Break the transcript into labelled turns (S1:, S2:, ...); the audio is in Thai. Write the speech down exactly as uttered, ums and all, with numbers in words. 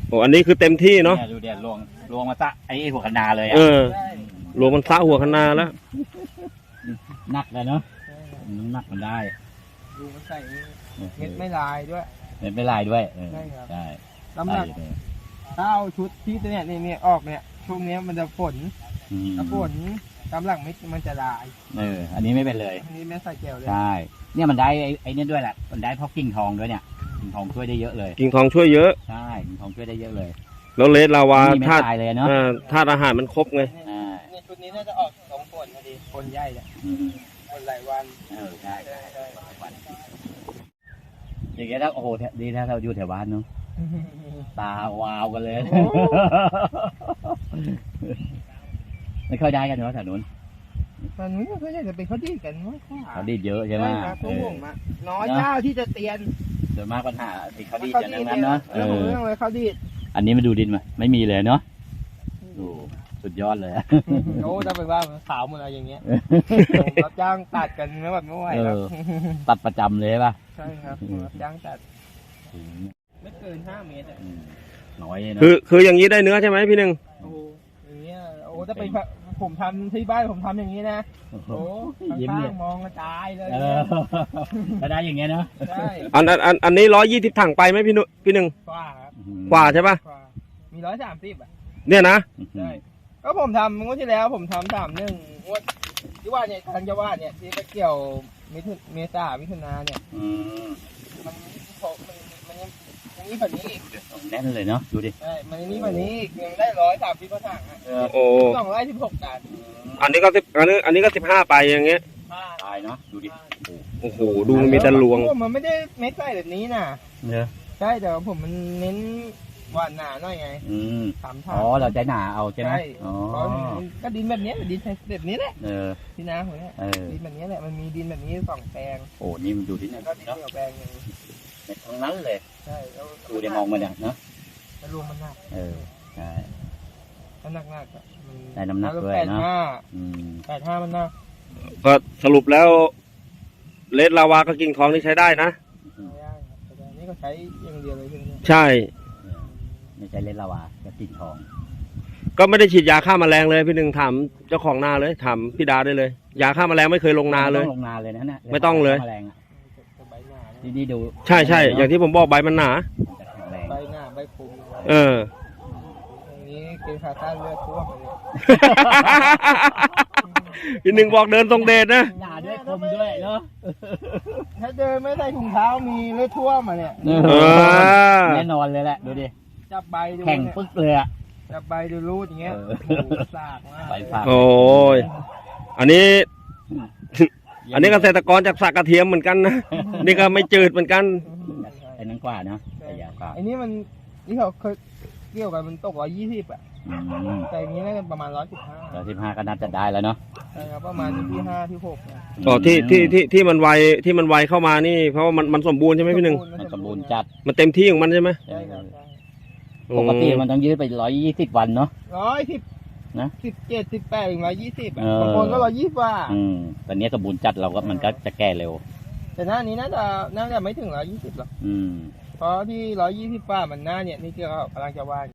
S1: โอ้อันนี้คือเต็มที่เนาะ
S2: ดูเดี๋ยวลวงลวงมาซะไอ้หัวคะนาเลยอ่ะ
S1: เออลวงมันซะหัวคะนาแล้ว
S2: หนักเลยเนาะน้ำหนักมันได้
S3: ดูมันใส่เม็ดไม่ลายด้วย
S2: เม็ดไม่ลายด้วย
S3: ใช่ครับ
S2: ใช่
S3: น้ำหนักถ้าเอาชุดที่ตัวเนี้ยนี่ออกเนี่ยช่วงนี้มันจะฝนถ้าฝนตามหลังเม็ดมันจะลาย
S2: เอออันนี้ไม่เป็นเลย
S3: อันนี้ไม่ใส่แก้วเลย
S2: ใช่เนี่ยมันได้ไอ้นี่ด้วยแหละมันได้เพราะกิ่งทองด้วยเนี่ยกิ่งทองช่วยได้เยอะเลย
S1: กิ่งทองช่วยเยอะ
S2: ใช่กิ่งทองช่วยได้เยอะเลย
S1: แล้วเลสลาวาธาตุธาตุอาหารมันครบไง
S3: นี่ชุดนี้น่าจะออกสองฝนพอดีฝนใหญ่เนี่ยฝนหลายวัน
S2: เออใช่อย่างเงี้ยถ้าโอ้โหดีถ้าเราอยู่แถวบ้านเนาะตาวาวกันเลยไม่ค่อยได้กันเนาะแถวนู้น
S3: ตอนนี้ก็จะเป็นเขาดีกันมั้ง
S2: เขาดีเยอะใช่ไหม
S3: ครับผมอ่ะน้อยเจ้าที่จะเตียน
S2: ส่วนมากปัญหาที่เขาดีจะนั่งนั้นเนาะ
S3: เออเรื่องเลยเขาดี
S2: อันนี้มาดูดินมาไม่มีเลยเนาะดูสุดยอดเลย
S3: โอ้ถ้าไปว่าขาวหมดอะไรอย่างเงี้ยรับจ้างตัดกันไม่แบบไม่ไหวแล้ว
S2: ตัดประจำเลยป่ะ
S3: ใช่ครับรับจ้างตัดไม่เกินห้าเมตรอ่ะ
S2: น้อยนะ
S1: คือคืออย่างนี้ได้เนื้อใช่ไหมพี่หนึ่ง
S3: โอ้อย่างเงี้ยโอ้ถ้าเป็นผมทำที่บ้านผมทำอย่างนี้นะโอ้ยิ้มเนี่ยมองกระจายเลย
S2: ก็ได้อย่างเงี้ยเนาะ
S3: ใช่
S1: อันอันอันนี้ร้อยยี่สิบถังไปไหมพี่หนุ่พี่หนึ่ง
S3: กว่าครับ
S1: กว่าใช่ป่ะ
S3: มีร้อยสามสิบอ่ะ
S1: เนี่ยนะ
S3: ใช่ก็ผมทำงวดที่แล้วผมทำสามหนึ่งงวดที่ว่าเนี่ยทางจังหวัดเนี่ยที่ไปเกี่ยวมิถุเมษามิถุนาเนี่ยมันมันมันยังยังนี้แบบนี้อีก
S2: แน่นเลยเนาะดูดิ
S3: ใช่มันยังนี้แบบนี้อีกยังได้ร้อยสามสิบกว่าถังอ่ะ
S1: โอ้
S3: สองร้อยสิบหกตัน
S1: อันนี้ก็สิบอันนี้อันนี้ก็สิบห้าไปอย่างเงี้ย
S2: ตายเนาะดูดิ
S1: โอ้โหดูมันมีแต่ลวง
S3: มันไม่ได้เม็ดใส่แบบนี้นะ
S2: เนี่ย
S3: ใช่แต่ผมมันเน้นหวานหนาหน่อยไง
S2: อืมอ๋อเราใจหนาเอาใช่ไหม
S3: อ๋อก็ดินแบบนี้ดินแบบนี้แหละ
S2: เออ
S3: ที่นาผมเนี่ยดินแบบนี้แหละมันมีดินแบบนี้สองแปลง
S2: โอ้นี่มันดูที่ไหน
S3: ก็ดินเดียวแปลงนึง
S2: ทั้งนั้นเลย
S3: ใช่
S2: ดูได้มองมาเนี่ยเนาะ
S3: มันรวมมันหนัก
S2: เออใช่
S3: มันหนักหนักอ่ะ
S2: ได้น้ำหนักด้วยเนาะ
S3: แปดห้ามันหนัก
S1: ก็สรุปแล้วเลสลาวากับกิ่งทองนี่ใช้ได้นะ
S3: นี่ก็ใช้อย่างเดียวเลย
S1: ใช่
S2: ไม่ใช่เลสลาวากับกิ่งทอง
S1: ก็ไม่ได้ฉีดยาฆ่าแมลงเลยพี่หนึ่งถามเจ้าของนาเลยถามพี่ดาได้เลยยาฆ่าแมลงไม่เคยลงนาเลย
S2: ลงนาเลยนะเนี่ย
S1: ไม่ต้องเลย
S2: นี่นี่ดู
S1: ใช่ใช่อย่างที่ผมบอกใบมันหนา
S3: ใบหนาใบคม
S1: เออ
S3: อย่างนี้กินขาต้านเลือดท่วมเลย
S1: พี่หนึ่งบอกเดินตรงเดชนะ
S2: หนาด้วยคมด้วยเนาะ
S3: ถ้าเดินไม่ใส่ถุงเท้ามีเลือดท่วมมาเนี่ย
S2: แน่นอนเลยแหละดูดิ
S3: จับใบดู
S2: แข็งปึ๊กเลยอะ
S3: จับใบดูรูดอย่างเงี้ยสากมาก
S1: โอ้ยอันนี้อันนี้เกษตรกรจากสากกระเทียมเหมือนกันนะนี่ก็ไม่จืดเหมือนกัน
S2: ไอ้นั้นกว่าเนาะไอ้ยาวกว่า
S3: ไอ้นี่มันนี่เขาเคยเกี่ยวกันมันตกร้อยยี่สิบอ่ะแต่อย่างนี้น่าจะประมาณร้อยสิบห้า
S2: ร้อยสิบห้าก็น่าจะได้แล้วเนาะ
S3: ใช่ครับประมาณที่ห้าที่หก
S1: อ๋อที่ที่ที่ที่มันไวที่มันไวเข้ามานี่เพราะว่ามันมันสมบูรณ์ใช่ไหมพี่หนึ่ง
S2: มันสมบูรณ์จัด
S1: มันเต็มที่ของมันใช่ไหม
S3: ใช่ครับ
S2: ปกติมันต้องยืดไปร้อยยี่สิบวันเนาะ
S3: ร้อยสิบนะสิบเจ็ดสิบแปดถึงร้อยยี่สิบบางคนก็ร้อยยี่สิบว่า
S2: อืมตอนนี้สมบูรณ์จัดเราก็มันก็จะแก่เร็ว
S3: แต่หน้านี้น่าจะน่าจะไม่ถึงร้อยยี่สิบหรอก
S2: อืม
S3: เพราะที่ร้อยยี่สิบว่ามันหน้าเนี่ยนี่ที่เรากำลังจะว่า